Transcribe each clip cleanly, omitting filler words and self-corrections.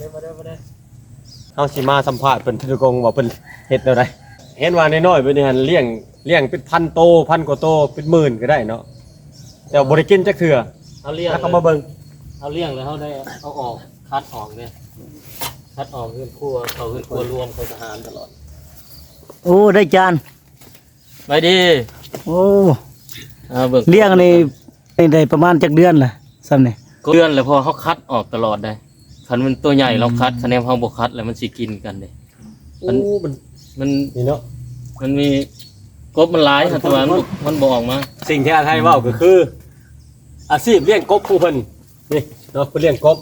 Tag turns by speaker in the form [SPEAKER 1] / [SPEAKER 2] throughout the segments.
[SPEAKER 1] เฮาสิมาสัมภาษณ์เพิ่นทุกงว่าเพิ่นเฮ็ดแนวใดเห็นว่าน้อยๆเพิ่นนี่หั่นเลี้ยงเป็นพันโตพันกว่าโตเป็นหมื่นก็ได้เนาะแต่บ่ได้กินจักเทื่อ
[SPEAKER 2] เอาเลี้ยง
[SPEAKER 1] แล้วก็มาเบิ่ง
[SPEAKER 2] เอาเลี้ยงแล้วเขาได้เอาออกคัดออกเนี่ยคัดออกเพื่อนครัวเขาเพื่อนครัวรวมเขาทหารตลอด
[SPEAKER 3] โอ้ได้จาน
[SPEAKER 2] ไปดี
[SPEAKER 3] โอ้
[SPEAKER 2] เบิ่ง
[SPEAKER 3] เลี้ยงนี่ได้ประมาณจักเดือนล่ะซ้ำนี่
[SPEAKER 2] เดือนแล้วพอเขาคัดออกตลอดได้คันมันตัวใหญ่เราคัดคะแนนเขาบกคัดแล้วมันสิกินกันเลย
[SPEAKER 1] โอ้มัน
[SPEAKER 2] มัน
[SPEAKER 1] นี่เนาะ
[SPEAKER 2] มันมีกบมันหลายแต่ว่ามันบ่ออกมา
[SPEAKER 1] สิ่งที่อาไทยเว้าก็คือ อาชีพเลี้ยงกบผู้เพิ่นนี่เนาะเพิ่นเลี้ยงกบ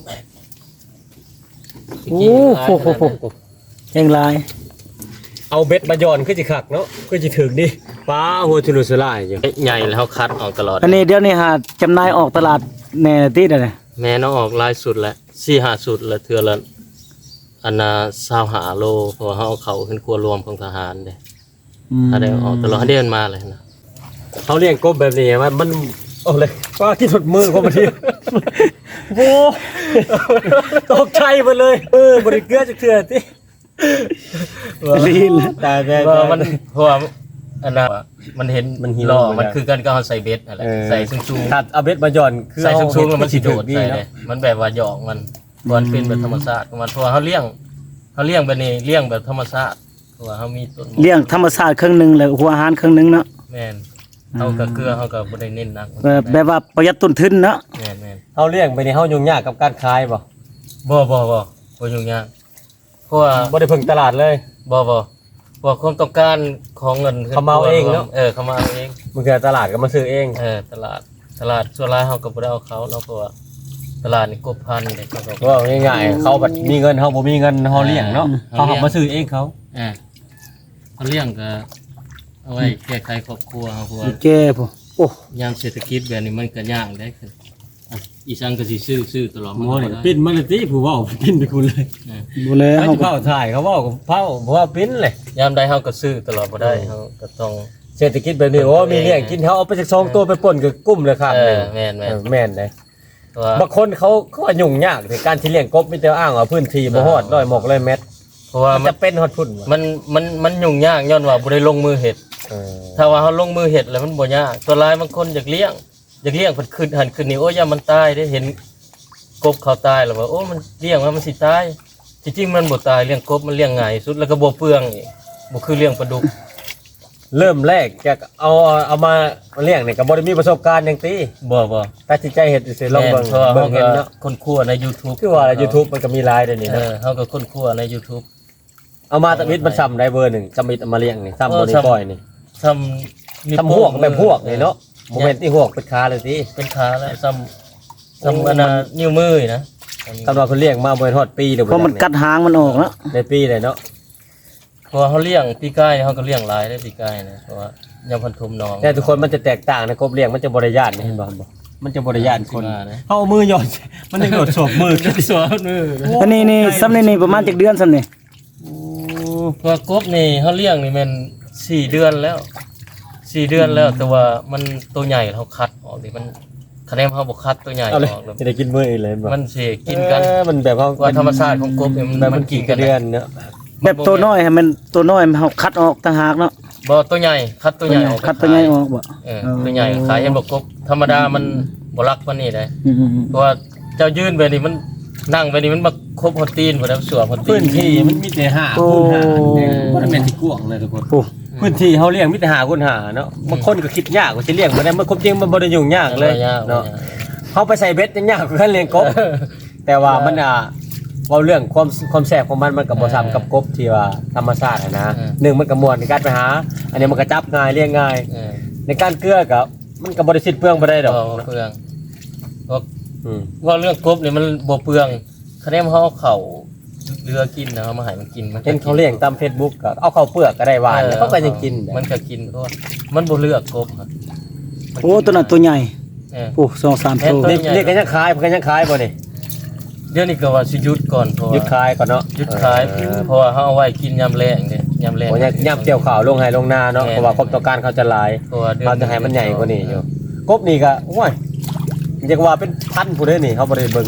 [SPEAKER 3] โอ้โหแห่งหลาย
[SPEAKER 1] เอาเบ็ดมาย้อนคือสิคักเนาะคือสิถึกดิปลาหัวทุลุสลายอยู่
[SPEAKER 2] ใหญ่แล้วเขาคัดออกตลอด
[SPEAKER 3] อันนี้เดี๋ยวนี้หาจำหน่ายออกตลาดแน่ติดอ่ะเนี่ย
[SPEAKER 2] แม่น้องออกหลายสุดแล้ว4-5สุดแล้วเทื่อละอันน่ะ25โลเพราะว่าเขาเอาเขาขึ้นครัวรวมของทหารเด้ถ้าได้ออกตลอดเดือนมาเลยนะ
[SPEAKER 1] เขาเลี้ยงกบแบบนี้มันโอ้เลยปลากินหมดมือเขาบ่ทีโอ้ตกใจหมดเลยบ่ได้เกลือจักเทื่อติ
[SPEAKER 3] ลีน
[SPEAKER 1] แต่
[SPEAKER 2] เพราะว่ามันเพราะว่าอันน่ะมันเห็น
[SPEAKER 1] มันหิว
[SPEAKER 2] ล่อ
[SPEAKER 1] มัน
[SPEAKER 2] มัน
[SPEAKER 1] อะ
[SPEAKER 2] คือกันก็เอาใส่เบ็ดอะไรใส่สูง
[SPEAKER 1] ถัดเอาเบ็ดมาย้อนคือ
[SPEAKER 2] ๆใส่สูงๆแล้วมันสิโดด
[SPEAKER 1] ดี
[SPEAKER 2] ใส่
[SPEAKER 1] เนาะ
[SPEAKER 2] เลยมันแบบว่าหยอกมันเป็นแบบธรรมชาติของมันเพราะว่าเขาเลี้ยงแบบนี้เลี้ยงแบบธรรมชาติเพราะว่าเขามีต้น
[SPEAKER 3] เลี้ยงธรรมชาติครึ่งหนึงแล้วหัวอาหารครึ่งหนึงเนาะ
[SPEAKER 2] แม่นเขากับเกลือเขากับบ่ได้เน้นหนัก
[SPEAKER 3] แบบว่าประหยัดต้นทุนเนาะ
[SPEAKER 2] แม่นแม่น
[SPEAKER 1] เฮาเลี้ยงไปนี่เฮายุ่งยากกับการขายบ่
[SPEAKER 2] บ่ยุ่งยากเพราะว่า
[SPEAKER 1] บ่ได้พึ่งตลาดเลย
[SPEAKER 2] บ่ความต้องการของเงิน
[SPEAKER 1] เขามาเอาเองเนอะ
[SPEAKER 2] เขามาเอาเอง
[SPEAKER 1] มันคือตลาดก็มาซื้อเอง
[SPEAKER 2] ตลาดส่วนรายเขาก็บ่ได้เอาเขาเนาะเพราะว่าตลาดนี่กบพันเนี่ยเขาก็
[SPEAKER 1] ว่าง่ายๆเขาบัดมีเงินเฮาบ่มีเงินเฮาเลี้ยงเนาะเขาเอามาซื้อเองเขา
[SPEAKER 2] เขาเลี้ยงก็เอาไว้แก้ไขครอบครัวเขาเพราะว่า
[SPEAKER 3] แก่พุ่นโอ้
[SPEAKER 2] ยามเศรษฐกิจแบบนี้มันก็ยากได้คืออีสังก็สิซื้อตลอด
[SPEAKER 1] หมอนี่ปิ้นมันเลยติผู้เว้าปิ้นไปคุณเลย
[SPEAKER 3] บ่แล้ว
[SPEAKER 1] เขาเผาถ่ายเขาเว้ากับเผาบ่ว่าปิ้นเลย
[SPEAKER 2] ยามใดเฮาก็ซื้อตลอดบ่ได้เฮาก็ต้อง
[SPEAKER 1] เศรษฐกิจแบบนี้โอ้มีเลี้ยงกินเขาเอาไปสัก2ตัวไปป่นกับกุ้มเลยครับ
[SPEAKER 2] แม่น
[SPEAKER 1] แม่นเลย
[SPEAKER 2] ตัว
[SPEAKER 1] บางคนเขาว่ายุ่งยากในการที่เลี้ยงกบมีแต่อ้างว่าพื้นที่บ่ฮอด100 100 เมตร
[SPEAKER 2] เพราะว่า
[SPEAKER 1] มันจะเป็นฮอดพุ่นวะ
[SPEAKER 2] มันยุ่งยากย้อนว่าบ่ได้ลงมือเฮ็ด
[SPEAKER 1] เออ
[SPEAKER 2] ถ้าว่าเฮาลงมือเฮ็ดแล้วมันบ่ยากตัวหลายบางคนอยากเลี้ยงเพิ่นขึ้นนี่โอ้ยอย่ามันตายได้เห็นกบเขาตายแล้วว่าโอ้มันเลี้ยงว่ามันสิตายจริงๆมันบ่ตายเลี้ยงกบมันเลี้ยงง่ายสุดแล้วก็บ่เปลืองอีกบ่คือเลี้ยงปลาดุก
[SPEAKER 1] เริ่มแรกจะเอามาเลี้ยงนี่ก็บ่ได้มีประสบการณ์หยังติ
[SPEAKER 2] บ่
[SPEAKER 1] ตัดสินใจเฮ็ดสิลองเบิ่ง
[SPEAKER 2] เพราะว่า
[SPEAKER 1] เบิ่
[SPEAKER 2] เฮาง
[SPEAKER 1] เห็
[SPEAKER 2] ก็
[SPEAKER 1] นเนาะ
[SPEAKER 2] คนคั่วใน YouTube
[SPEAKER 1] คือว่า YouTube มันก็มีหลายเดี๋ยวนี้นะ
[SPEAKER 2] เฮาก็คนคั่วใน YouTube
[SPEAKER 1] เอามาตะมิดมันซ้ำได้เบอร์หนึ่งซ้ำมิดเอามาเลี้ยงนี่ซ้ำบ่ได้ปล่อยนี่
[SPEAKER 2] ทำ
[SPEAKER 1] ซ้ำหวกแบบหวกนี่เนาะบ่แม่นที่หวกเป็นขาเลยติ
[SPEAKER 2] เป็นขาแล้วซ้ำอันน่ะนิ้วมือนะ
[SPEAKER 1] คำว่าเพิ่นเลี้ยงมาบ่ฮอดปีเด้อ
[SPEAKER 3] เพราะมันกัดหางมันออกเนาะ
[SPEAKER 1] ในปีเลยเนาะ
[SPEAKER 2] เพราะว่าเขาเลี้ยงปีกายเขาก็เลี้ยงหลายได้ปีกายนะเพราะว่ายามพันธุมน้อง
[SPEAKER 1] แต่ทุกคนมันจะแตกต่างนะกบเลี้ยงมันจะบ่ได้ย่านนี่เห็นบ่มันจะบ่ได้ย่านคน
[SPEAKER 2] สิมานะ
[SPEAKER 1] เฮาเอามือหย่อนมันยังโดดสวบมือขึ้น
[SPEAKER 2] สวนมือ
[SPEAKER 3] อันนี้ซ้ำนี่ประมาณจักเดือนซ้ำนี่
[SPEAKER 2] เพราะว่ากบนี่เขาเลี้ยงนี่มัน4 เดือนแล้ว4 เดือนแล้ว แต่ว่ามันตัวใหญ่เขาคัดออกดิมันคะแนนเขาบ่คัดตัวใหญ่อ
[SPEAKER 1] เอาเลย
[SPEAKER 2] อกแล้ว
[SPEAKER 1] จะได้กินมื้ออีกเลยบ่
[SPEAKER 2] มันสิกินกัน
[SPEAKER 1] มันแบบเฮา
[SPEAKER 2] ว่าธรรมชาติของกบเนี่ย
[SPEAKER 1] แบบ
[SPEAKER 2] มั
[SPEAKER 1] มัน น
[SPEAKER 2] กิ
[SPEAKER 1] กิ
[SPEAKER 2] น
[SPEAKER 1] น
[SPEAKER 2] กั
[SPEAKER 1] กัน นเดือนเนาะ
[SPEAKER 3] แบบตัวน้อยให้มันตัวน้อยมันเฮาคัดออกต่างหากเนาะ
[SPEAKER 2] บ่ตัวใหญ่คัดตัวใหญ่ออก
[SPEAKER 3] คัดตัวใหญ่ออกบ่
[SPEAKER 2] ตัวใหญ่ขายเห็นบอกกบธรรมดามันบ่รักปานนี้ได้
[SPEAKER 3] อืม
[SPEAKER 2] เพราะว่าเจ้ายืนไปนี่มันนั่งไปนี่มันมาครบฮอตตีนหมดแล้วสวมฮอตตี
[SPEAKER 1] พื้
[SPEAKER 2] น
[SPEAKER 1] นที่มันมีแต่5คูณ5เนี่ยบ่ได้แม่นที่กว้างเลยทุกคน
[SPEAKER 3] โอ้
[SPEAKER 1] พื้นที่เฮาเลี้ยงมีแต่5คูณ5เนาะบางคนก็คิดยากว่าสิเลี้ยงบ่ได้มันความจริงมันบ่ได้ยุ่งยากเลยเนาะเฮาไปใส่เบ็ดยังยากกว่าการเลี้ยงกบ แต่ว่ามันเว้าเรื่องความแซ่บของมันก็บ่ซ้ำกับกบที่ว่าธรรมชาตินะหนึ่งมันก็ม่วนในการไปหา อันนี้มันก็จับง่ายเลี้ยงง่าย ในการเกลือก็มันก็บ่ได้สิ้นเปลืองบ่ได้ดอก
[SPEAKER 2] เปลืองเพราะ
[SPEAKER 1] อืม
[SPEAKER 2] ว่าเรื่องกบนี่มันบ่เปลืองคะแนนเขาเอาเข่าเรือกินนะเขามาให้มันกินมัน
[SPEAKER 1] เห็นเขาเลี้ยงตาม Facebook ก็เอาเข้าวเปลือกก็ได้หวานแล้วเขาก็ยังกิน
[SPEAKER 2] มันก็กินเพราะว่ามันบ่เลือกกบครับ
[SPEAKER 3] โอ้ตัวนั้นตัวใหญ่
[SPEAKER 2] เออ
[SPEAKER 3] โอ้2-3ตัว
[SPEAKER 1] นี่ก็ยังขายเพิ่นก็ยังขายบ่นี่
[SPEAKER 2] เดี๋ยวนี้ก็ว่าสิหยุดก่อนเพราะ
[SPEAKER 1] หยุด
[SPEAKER 2] ว่า
[SPEAKER 1] ขายก่อนเนาะ
[SPEAKER 2] หยุดขายเพราะว่าเขาเอาไว้กินยามแรงเด้ยามแรง
[SPEAKER 1] โอ้ยย่ำเกี่ยวข่าวลงไห้ลงนาเนาะเพราะว่าความต้องการเขาจะหลาย
[SPEAKER 2] เพราะว่าดือน
[SPEAKER 1] เขาจะให้มันใหญ่กว่านี้อยู่กบนี่ก็โอ้ยเรียกว่าเป็นพันผู้เด้อนี่เขาบ่ได้เบิ่ง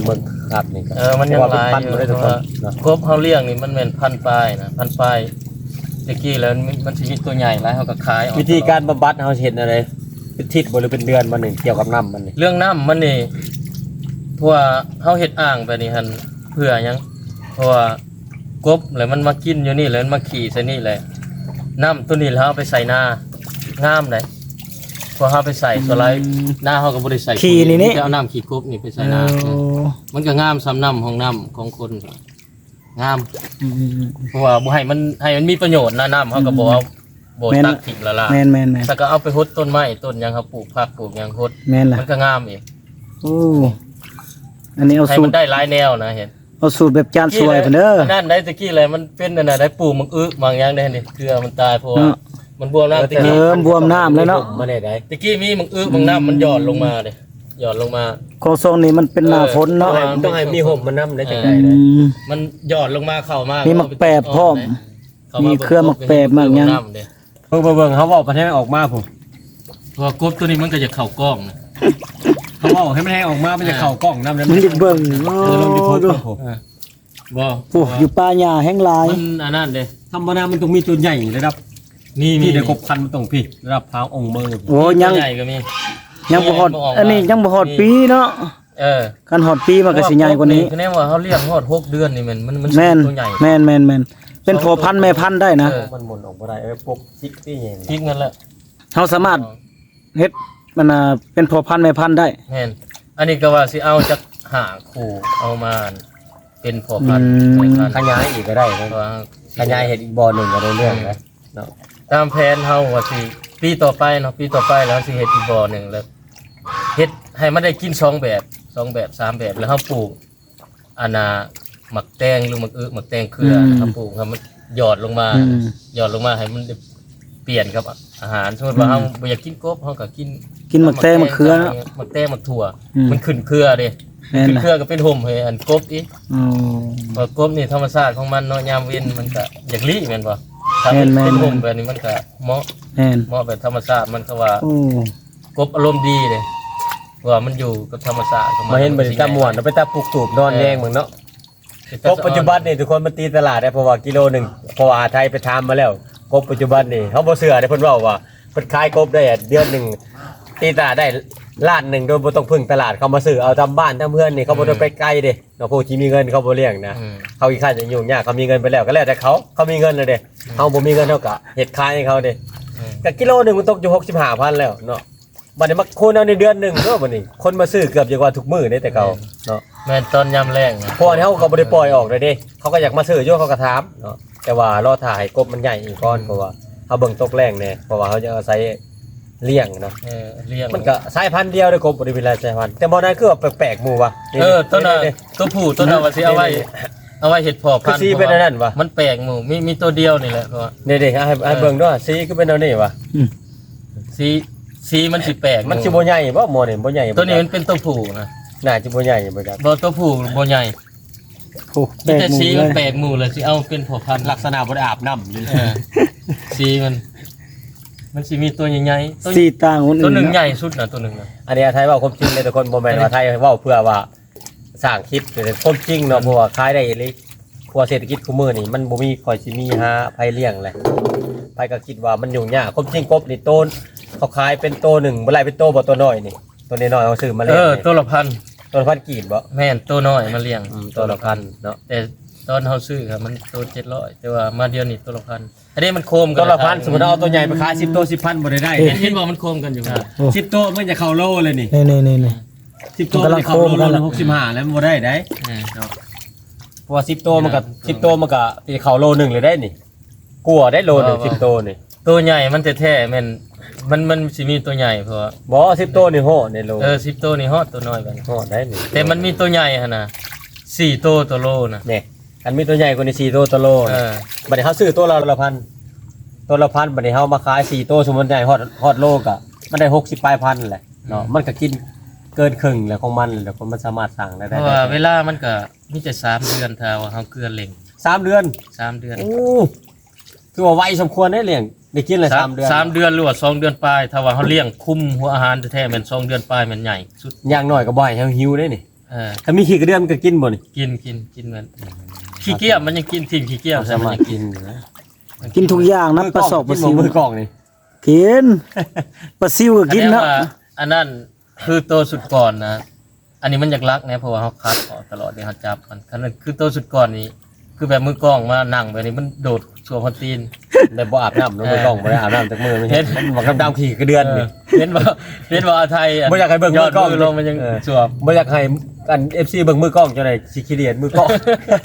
[SPEAKER 1] ครับนี่ก็
[SPEAKER 2] มันยังหลาย
[SPEAKER 1] พันบ่ได้ทุกคนเนาะ
[SPEAKER 2] กบเฮาเลี้ยงนี่มันแม่นพันปลายนะพันปลายตะกี้แล้วมันสิมีตัวใหญ่หลายเฮาก็ขายออก
[SPEAKER 1] วิธีการบำบัดเฮาเฮ็ดอะไรเป็นทิศบ่หรือเป็นเดือนบ่นี่เกี่ยวกับน้ำมันนี่
[SPEAKER 2] เรื่องน้ำมันนี่เพราะว่าเฮาเฮ็ดอ่างแบบนี้หั่นเพื่อหยังเพราะว่ากบแล้วมันมากินอยู่นี่แล้วมันมาขี่ใส่นี่แหละน้ำตัวนี้แล้วเอาไปใส่นางามได้พอเฮาไปใส่ตัวไรหน้าเฮาก็บ่ได้ใส่
[SPEAKER 3] ขี้นี่
[SPEAKER 2] จะเอาน้ำขี้กบนี่ไปใส่นามันก็งามซ้ำน้ำของน้ำของคนก็งาม
[SPEAKER 3] อืม
[SPEAKER 2] เพราะว่าบ่ให้มันมีประโยชน์นะน้ำเฮาก็บ่เอาบ่ตักทิ้งละล่ะ
[SPEAKER 3] แม่น
[SPEAKER 2] ถ้าก็เอาไปฮดต้นไม้ต้นหยังครับปลูกผักปลูกหยังฮด
[SPEAKER 3] แม่นล่ะ
[SPEAKER 2] มันก็งามอีก
[SPEAKER 3] โอ้อันนี้เอา
[SPEAKER 2] ให้
[SPEAKER 3] สู
[SPEAKER 2] มั
[SPEAKER 3] ต
[SPEAKER 2] น
[SPEAKER 3] ร
[SPEAKER 2] ได้หลายแนวนะเห็น
[SPEAKER 3] เอาสูตรแบบจานสวยเพิ่นเด้อ
[SPEAKER 2] นั่นได้ตะกี้เลยมันเป็นนั่นน่ะได้ปลูกมังอึบางอย่างได้นี่เกลือมันตายเพราะว่า
[SPEAKER 3] เนาะ
[SPEAKER 2] มันบวมน้ำตะ
[SPEAKER 3] เอ
[SPEAKER 2] กี้
[SPEAKER 3] อบวมน้ำแล้วเนาะ
[SPEAKER 1] มาได้ได้
[SPEAKER 2] ตะกี้มีมังอึบางน้ำมันหยอดลงมาเลยหยอดลงมา
[SPEAKER 3] ของทรงนี้มันเป็นหน้าฝนเนาะ
[SPEAKER 1] ต้องให้มีห่มมันน้ำได้จังได๋
[SPEAKER 3] อื
[SPEAKER 1] เลย
[SPEAKER 3] ม
[SPEAKER 2] มันหยอดลงมาเข้ามา
[SPEAKER 3] มี
[SPEAKER 2] มี
[SPEAKER 3] มักแปบพร้อมมีเครือมักแปบมากยัง
[SPEAKER 1] เบิ่งเขาเว้าประเทศออกมาพุ่น
[SPEAKER 2] เพราะว่ากบตัวนี้มันก็จะเข้ากล้องนะ
[SPEAKER 1] เขาเว้าให้มันให้ออกมามันจะเข้ากล้องนำได้
[SPEAKER 3] มันจะเบิ่งโอ้
[SPEAKER 1] ลองดิพูด
[SPEAKER 3] ดู
[SPEAKER 1] ผม
[SPEAKER 2] บ่
[SPEAKER 3] โอ้อยู่ป่าหญ้าแห้งหลาย
[SPEAKER 2] มันอันนั้นเด้
[SPEAKER 1] ธรรมดามันต้องมีตัวใหญ่ระดับ
[SPEAKER 2] มี
[SPEAKER 1] พี่ได้ครบคันมันต้องพี่ระดับพาวองค์มือ
[SPEAKER 3] โอ้ยัง
[SPEAKER 2] ใหญ่ก็มี
[SPEAKER 3] ยังบ่ฮอดอันนี้ยังบ่ฮอดปีเนาะ คันฮอดปีมันก็สิใหญ่กว่านี้
[SPEAKER 2] คือแน่ว่าเขาเลี้ยงฮอด6 เดือนนี่มัน
[SPEAKER 3] แม่น
[SPEAKER 2] ตัวใหญ่
[SPEAKER 3] แม่นเป็นพ่อพันธุ์แม่พันธุ์ได้นะ
[SPEAKER 1] มันหมุนออกบ่ได้พวกซิกซี่อย่าง
[SPEAKER 2] พริกนั่นแหละ
[SPEAKER 3] เฮาสามารถเฮ็ดมันเป็นพ่อพันธุ์แม่พันธุ์ได้
[SPEAKER 2] แม่นอันนี้ก็ว่าสิเอาจากหาคู่เอามาเป็นพอพันธุ์
[SPEAKER 3] อืม
[SPEAKER 2] พอพันธุ์
[SPEAKER 1] ขยายอีกก็ได้นะ
[SPEAKER 2] ว่า
[SPEAKER 1] ขยายเห็ดอีกบ่อหนึ่งก็ได้เรื่องนะเนาะ
[SPEAKER 2] ตามแผนเฮาว่าสิปีต่อไปเนาะปีต่อไปแล้วสิเฮ็ดอีกบ่อหนึงแล้วเฮ็ดให้มันได้กิน2 แบบ2 แบบ3 แบบแล้วเฮาปลูกอันน่ะหมักแตงหรือหมักหมักแตงเครือนะครับปลูกให้มันหยอดลงมา
[SPEAKER 3] อืม
[SPEAKER 2] หยอดลงมาให้มันได้เปลี่ยนกับอาหารสมมติว่าเฮาบ่อยากกินกบเฮาก็กิน
[SPEAKER 3] กินหมักแตงมะเขือเนาะ
[SPEAKER 2] หมักแตงหมักถั่ว
[SPEAKER 3] อืม
[SPEAKER 2] มันขึ้นเครือเด้
[SPEAKER 3] แม่น
[SPEAKER 2] ขึ้น
[SPEAKER 3] ล่ะ
[SPEAKER 2] เครือก็เป็นห่มให้อันกบอีก
[SPEAKER 3] อ๋อ
[SPEAKER 2] เพราะกบนี่ธรรมชาติของมันเนาะยามเว้นมันก็อยากลี้แม่นบ่ถ้า
[SPEAKER 3] แม่
[SPEAKER 2] มัน
[SPEAKER 3] นๆ
[SPEAKER 2] เป็นห่มแบบนี้มันก็เหมาะ
[SPEAKER 3] แม่น
[SPEAKER 2] เหมาะแบบธรรมชาติมันก็ว่า
[SPEAKER 3] โอ้
[SPEAKER 2] กบอารมณ์ดีเด้ว่ามันอยู่กับธรรมชาติของ
[SPEAKER 1] มาเห็นบ่ได้ตาม่วนเอาไปตาปลูกตูบนอนแยงเหมือนเนาะกบปัจจุบันนี่ทุกคนมันตีตลาดได้เพราะว่ากิโลหนึงเพราะว่าไทยไปทำมาแล้วกบปัจจุบันนี่เฮาบ่เชื่อได้เพิ่นเว้าว่าเพิ่นขายกบได้เดือนหนึงตีตลาดได้ล้านหนึงโดยบ่ต้องพึ่งตลาดเขามาซื้อเอาตามบ้านตามเพื่อนนี่เขาบ่ต้องไปไกลเด้เนาะผู้ที่มีเงินเขาบ่เลี้ยงนะ
[SPEAKER 2] อืม
[SPEAKER 1] เขาอีกขั้นจะยุ่งยากเขามีเงินไปแล้วก็แล้วแต่เขามีเงินเลยเด้เขาบ่มีเงินเท่ากับเฮ็ดขายให้เขาเด้
[SPEAKER 2] อืม
[SPEAKER 1] ก็กิโลหนึงมันตกอยู่ 65,000แล้วเนาะบัดนี้มาคูณเอาในเดือนหนึงเนาะบัดนี้คนมาซื้อเกือบจะกว่าทุกมื้อเด้แต่เก่าเนาะ
[SPEAKER 2] แม่นตอนยามแรงนะ
[SPEAKER 1] พวกนี้เขาก็บ่ได้ปล่อยออกเลยเด้เขาก็อยากมาซื้ออยู่เขาก็ถามเนาะแต่ว่ารอถ่ายกบมันใหญ่อีกก่อนเพราะว่าเขาเบิ่งตกแรงแน่เพราะว่าเขาจะอาศัยเลี้ยงเนาะ
[SPEAKER 2] เลี้ยง
[SPEAKER 1] มันก็สายพันธุ์เดียวเด้อกบบ่ได้มีหลายสายพันธุ์แต่บ่นั้นคือว่าแปลกๆหมู่ว่ะ
[SPEAKER 2] ต้นน่ะตัวผู้ต้นน่ะว่าสิเอาไว้เฮ็ดพ่อ
[SPEAKER 1] คื
[SPEAKER 2] พั
[SPEAKER 1] อน
[SPEAKER 2] ธุ์
[SPEAKER 1] สีเป็นอันนั้นวะ
[SPEAKER 2] มันแปลกหมู่มีตัวเดียวนี่แหละเพราะว่า
[SPEAKER 1] เด็กๆให้เบิ่งด้วยสีคือเป็นอันนี้วะ
[SPEAKER 2] สีมันสิแปลก
[SPEAKER 1] มันสิบ่ใหญ่บ่หมอนี่บ่ใหญ่บ่
[SPEAKER 2] ตัวนี้มันเป็นตัวผู้นะ
[SPEAKER 1] น่าจะบ่ใหญ่บ่จัก
[SPEAKER 2] บ่ตัวผู้บ่ใหญ่
[SPEAKER 3] โอ้แปล
[SPEAKER 2] มี
[SPEAKER 3] ก
[SPEAKER 2] แต่
[SPEAKER 3] หมู่
[SPEAKER 2] สี
[SPEAKER 3] เล
[SPEAKER 2] มัน
[SPEAKER 3] ย
[SPEAKER 2] แปลกหมู่เลยสิเอาเป็นพ่อพันธุ์
[SPEAKER 1] ลักษณะบ่ได้อาบน้ำเลย
[SPEAKER 2] เออสีมันสิมีตัวใหญ่ๆตัว
[SPEAKER 3] สีต่างคน
[SPEAKER 2] ตัว
[SPEAKER 3] อื่น
[SPEAKER 2] หนึ่ง
[SPEAKER 3] เนาะ
[SPEAKER 2] ใหญ่สุดนะตัวหนึ่งนะ
[SPEAKER 1] อันนี้ไทยเว้าความจริงเลยทุกคนบ่แม่นว่าไทยเว้าเพื่อว่าสร้างคลิปแต่ความจริงเนาะเพราะว่าขายได้อีหลีครัวเศรษฐกิจคุมื้อนี่มันบ่มีค่อยสิมีหาไผเลี้ยงแหละไผก็คิดว่ามันยุ่งยากความจริงกบนี่โตนเขาขายเป็นโตหนึ่งบ่ไรเป็นโตบ่ตัวน้อยนี่ตัวน้อยๆเขาซื้อมาเลี้ยงนี่
[SPEAKER 2] ตัวละพัน
[SPEAKER 1] ตัวละพันกีบบ่
[SPEAKER 2] แม่นตัวน้อยมาเลี้ยง
[SPEAKER 1] ตัวละพันเนาะ
[SPEAKER 2] แต่ตอนเขาซื้อครับมันตัว700แต่ว่ามาเดียวนี่ตัวละพันอันนี้มันโคมกั
[SPEAKER 1] ตัวละพันสมมุติเอาตัวใหญ่ไปขาย10โต10,000บ่ได้
[SPEAKER 2] เห็นบอกมันโคมกันอยู่นะ
[SPEAKER 3] โอ้
[SPEAKER 1] 10โตมันจะเข้าโลเลยนี่
[SPEAKER 3] นี่
[SPEAKER 1] 10โตมันจะเข้าโลละ65แล้วมันบ่ได้ได้ เพราะว่า10โตมันก็10โตมันก็สิเข้าโลนึงเลยได้นี่กลัวได้โลนึง10โตนี่
[SPEAKER 2] ตัวใหญ่มันแท้ๆแม่นมันสิมีตัวใหญ่เพราะว่า
[SPEAKER 1] บ่10โตนี่โหในโล
[SPEAKER 2] 10ตัวนี่ฮอดตัวน้อยกัน
[SPEAKER 1] โหได้นี่
[SPEAKER 2] แต่มันมีตัวใหญ่หั่นน่ะ4ตัวโลนะ
[SPEAKER 1] นี่อันมีตัวใหญ่กว่านี้4โตตัวโล
[SPEAKER 2] เอ
[SPEAKER 1] นี่
[SPEAKER 2] อ
[SPEAKER 1] บัดนี้เฮาซื้อตัวละพันตัวละพันบัดนี้เฮามาขาย4โตสมมุติใหญ่ฮอดโลก็มันได้60ปลายพันแหละเนาะมันก็กินเกินครึ่งแล้วของมันแล้วคนมันสามารถสั่งได้
[SPEAKER 2] เพราะว่าเวลามันก็มีแต่3เดือนถ้าว่าเฮาเกลือเล่ง
[SPEAKER 1] 3เดือน
[SPEAKER 2] 3เดือน
[SPEAKER 1] โอ้คือว่าไวสมควรได้เลี้ยงได้กินเลย3เดือน
[SPEAKER 2] 3เดือนหรือว่า2เดือนปลายถ้าว่าเฮาเลี้ยงคุมหัวอาหารแท้ๆแม่น2เดือนปลายแม่นใหญ่สุด
[SPEAKER 1] อย่างน้อยก็บ่ให้เฮาหิวได้นี่ถ้ามีขี้กระเดือนมันก็กินบ่นี่
[SPEAKER 2] กินมันขี้เกียจมันยังกินทีมขี้เกียจ
[SPEAKER 1] สามารถ
[SPEAKER 2] ยัง
[SPEAKER 1] กิน
[SPEAKER 3] กินทุกอย่างนะปลาสอกปลาซิว
[SPEAKER 1] มือกล้องนี่
[SPEAKER 3] กินปลาซิวก็กินเนาะ
[SPEAKER 2] อันนั้นคือตัวสุดก่อนนะอันนี้มันอยากรักนะเพราะว่าเขาคัดออกตลอดเดี๋ยวเขาจับมันคันนั้นคือตัวสุดก่อนนี้คือแบบมือกล้องมานั่งแบบนี้มันโดดสัวพันตีน
[SPEAKER 1] ได้บ่อาบน้ำเนาะมือกล้องบ่ได้อาบน้ำจากมือมันเห็นมันบอกดำๆขี้กระเดือนนี่
[SPEAKER 2] เห็นบ่อาไทย
[SPEAKER 1] บ่อยากให้เบิ่ง
[SPEAKER 2] ย
[SPEAKER 1] มื
[SPEAKER 2] อ
[SPEAKER 1] อ
[SPEAKER 2] ด
[SPEAKER 1] กล้อง
[SPEAKER 2] มือลงมันยังสวม
[SPEAKER 1] บ่อยากให้อัน FC เบิ่งมือกล้องจังได๋สิขี้เดียดมือกล้อง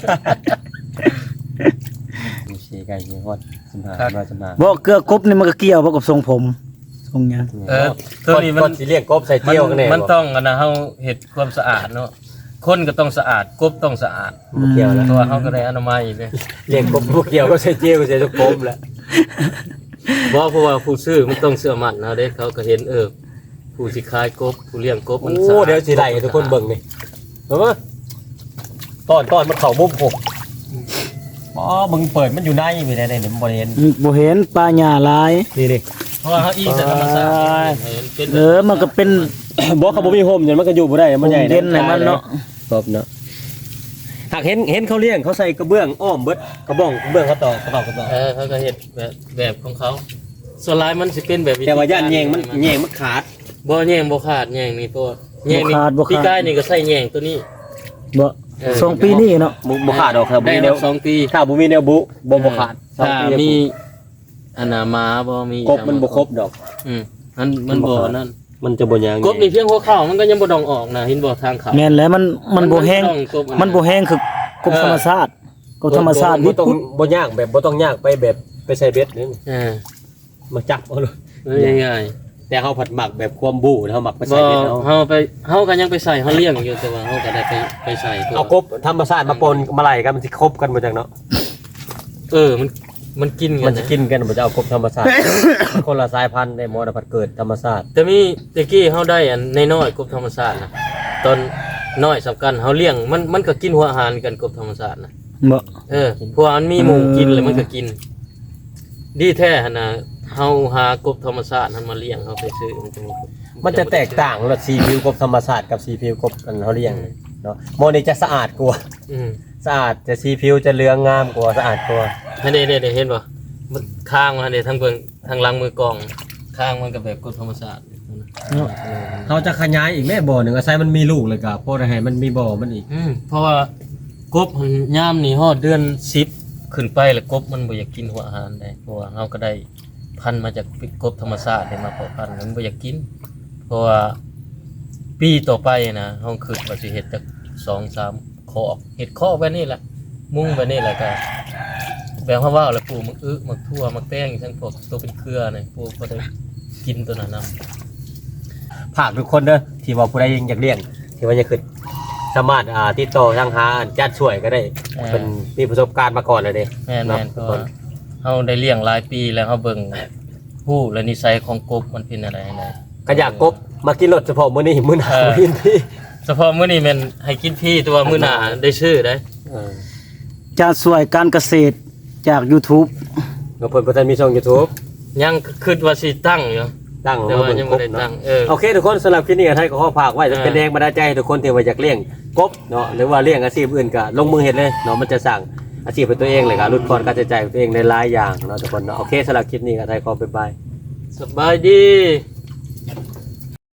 [SPEAKER 1] มีสิไก่มีฮอด15มาจะมา
[SPEAKER 3] บ่เกลือกบนี่มันก็เกี่ยวบ่กับทรงผมทรงหยัง
[SPEAKER 2] ตัวนี้มัน
[SPEAKER 1] สิเลี้ยงกบใส่เจียวกันแน่
[SPEAKER 2] มันต้องอันนะเฮาเฮ็ดความสะอาดเนาะคนก็ต้องสะอาดกบต้องสะอาด
[SPEAKER 1] บ่เกี่ยวแล้ว
[SPEAKER 2] เพราะว่าเฮาก็ได้อนามัยเนี่ย
[SPEAKER 1] เลี้ยงกบบ่เกี่ยวก็ใส่เจียวก็ใส่ทุกกบแหละ
[SPEAKER 2] บ่เพราะว่าผู้ซื้อมันต้องเชื่อมั่นนะเด้เขาก็เห็นผู้สิขายกบผู้เลี้ยงกบมันสะ
[SPEAKER 1] โอ้
[SPEAKER 2] อาด
[SPEAKER 1] เดี๋ยวสิไล่ให้ทุกคนเบิ่งนี่เห็นบ่ตอนมันเข้ามุมผมอ๋อมึงเปิดมันอยู่ในมีได้นี่มันบ่เห็น
[SPEAKER 3] บ่เห็นปลาหญ้าหลาย
[SPEAKER 1] นี่
[SPEAKER 2] เพราะว่าเฮาอิงแต่ธรรมชาติเห็นเป็น
[SPEAKER 3] มันก็เป็น
[SPEAKER 1] บอกเขาบ่มีโฮมอย่างมันก็อยู่บ่ได้มันใหญ่
[SPEAKER 3] เด่นให้มันเนาะ
[SPEAKER 1] ครบเนาะหากเห็นเขาเลี้ยงเขาใส่กระเบื้องอ้อมเบิดกระบ้องกระเบื้องเขาต่อกระต่อ
[SPEAKER 2] เขาก็เฮ็ดแบบของเขาส่วนหลายมันสิเป็นแบบวิธี
[SPEAKER 1] แต่ว่าย่านแยงมันขาด
[SPEAKER 2] บ่แยงบ่ขาดแยงนี่ตัวแยงนี่พี่กายนี่ก็ใส่แยงตัวนี้
[SPEAKER 3] บ่ทรงปีนี้เนาะ
[SPEAKER 1] บ่ขาดดอกครับ
[SPEAKER 2] ได้
[SPEAKER 1] มีแน
[SPEAKER 2] มาว 2 ปี
[SPEAKER 1] ถ้าบ่มีแนวบุบ่ขาด
[SPEAKER 2] ถ้ามีอันน่ะหมาบ่มี
[SPEAKER 1] กบมันบ่ครบดอก
[SPEAKER 2] มันบ่นั่น
[SPEAKER 1] มันจะบ่ยาง
[SPEAKER 2] กบนี่เพียงหัวเข่ามันก็ยังบ่ดองออกนะเห็นบ่ทางเขา
[SPEAKER 3] แม่นแล้วมันบ่แห้ง
[SPEAKER 2] ต้องกบอั
[SPEAKER 3] มันบ่แห้งคือกบธรรมชาติกบธรรมชาติ
[SPEAKER 1] บ่
[SPEAKER 3] นี่
[SPEAKER 1] ต้องบ่ยากแบบบ่ต้องยากไปแบบไปใส่เบ็ดนี่ มาจับเอาเลย
[SPEAKER 2] ง่าย
[SPEAKER 1] แต่เขาผัดหมักแบบความบู่เขาหมักไป
[SPEAKER 2] ๆ
[SPEAKER 1] ใส่
[SPEAKER 2] บ่
[SPEAKER 1] เบ็ดเอา
[SPEAKER 2] เฮาก็ยังไปใส่เฮาเลี้ยงอยู่แต่ว่าเฮาก็ได้ไปใส่ตัว
[SPEAKER 1] เอากบธรรมชาติมาปนมาไล่กันมันสิครบกันหมดจังเนาะ
[SPEAKER 2] มันกินกั
[SPEAKER 1] มัน
[SPEAKER 2] น
[SPEAKER 1] จะ
[SPEAKER 2] นะ
[SPEAKER 1] กินกันบ่จะเอากบธรรมชาติ คนละสายพันธุ์ได้หมอนะผัดเกิดธรรมชาติ
[SPEAKER 2] แต่มีตะกี้เฮาได้อันน้อยๆกบธรรมชาตินะตอนน้อยสำคัญเฮาเลี้ยงมันก็กินหัวอาหารกันกบธรรมชาตินะ
[SPEAKER 3] บ่
[SPEAKER 2] เพราะว่ามันมีหมูกินเลยมันก็กิน ดีแท้หั่นน่ะเฮาหากบธรรมชาตินั้นมาเลี้ยงเฮาไปซื้อ
[SPEAKER 1] มันจะแตกต่างระสีผิวกบธรรมชาติกับสีผิวกบกันเขาเลี้ยงเนาะโมนี่จะสะอาดกว่า สะอาดจะสีผิวจะเหลืองงามกว่าสะอาดกว่า
[SPEAKER 2] เด้เห็นบ่มันข้างมันเด้ทั้งเบิ่งทางหลังมือกล้องข้างมันก็แบบกบธรรมชาติ
[SPEAKER 1] เขาจะขยายอีกแม่บ่อหนึ่งอาศัยมันมีลูกเลยกับพวกให้มันมีบ่อมันอีก
[SPEAKER 2] เพราะว่ากบมันยามนี่ฮอดเดือน10ขึ้นไปแล้วกบมันบ่อยากกินหัวอาหารได้เพราะว่าเฮาก็ได้พันธุ์มาจากกบธรรมชาติได้มาเพาะพันธุ์มันบ่อยากกิน เพราะว่าปีต่อไปนะเฮาคิดว่าสิเฮ็ดจัก2-3 คอกเฮ็ดคอกแบบนี้แหละมุ้งแบบนี้แหละก็แบบว่าแล้วปลูกมักมักทั่วมักแป้งทั้งพวกตัวเป็นเครือนี่ปลูกบ่ได้กินตัวนั้นนำ
[SPEAKER 1] ฝากทุกคนเด้อที่ว่าผู้ใดยังอยากเลี้ยงที่ว่าจะขึ้นสามารถติดต่อทางหาจัดช่วยก็ได้เป็นมีประสบการณ์มาก่อนเลยเด้
[SPEAKER 2] แม่นๆเพราะว่าเฮาได้เลี้ยงหลายปีแล้วเฮาเบิ่งผู้และนิสัยของกบมันเป็นอะไรไหน
[SPEAKER 1] ก็อยากกบมากินรถเฉพาะมื้อนี้มื้อหน้ากินพี่
[SPEAKER 2] เฉพาะมื้อนี้แม่นให้กินพี่แต่ว่ามื้อหน้าได้ชื่อได้
[SPEAKER 3] จะสวยการเกษตรจาก YouTube
[SPEAKER 1] เพิ่นบ่ทันมีช่อง YouTube
[SPEAKER 2] ยังคิดว่าสิตั้งอยู่
[SPEAKER 1] ตั้ง
[SPEAKER 2] แต่ว่ายังบ่ได้ตั้ง
[SPEAKER 1] โอเคทุกคนสำหรับคลิปนี้ก็ให้ขอฝากไว้จะเป็นแรงบันดาลใจให้ทุกคนที่ว่าอยากเลี้ยงกบเนาะหรือว่าเลี้ยงอาชีพอื่นก็ลงมือเฮ็ดเลยเนาะมันจะสร้างอาชีพเป็นตัวเองเลยก็ลดความการใช้จ่ายของตัวเองในหลายอย่างเนาะทุกคนเนาะโอเคสำหรับคลิปนี้ก็ให้ขอบ๊ายบาย
[SPEAKER 2] สบายดี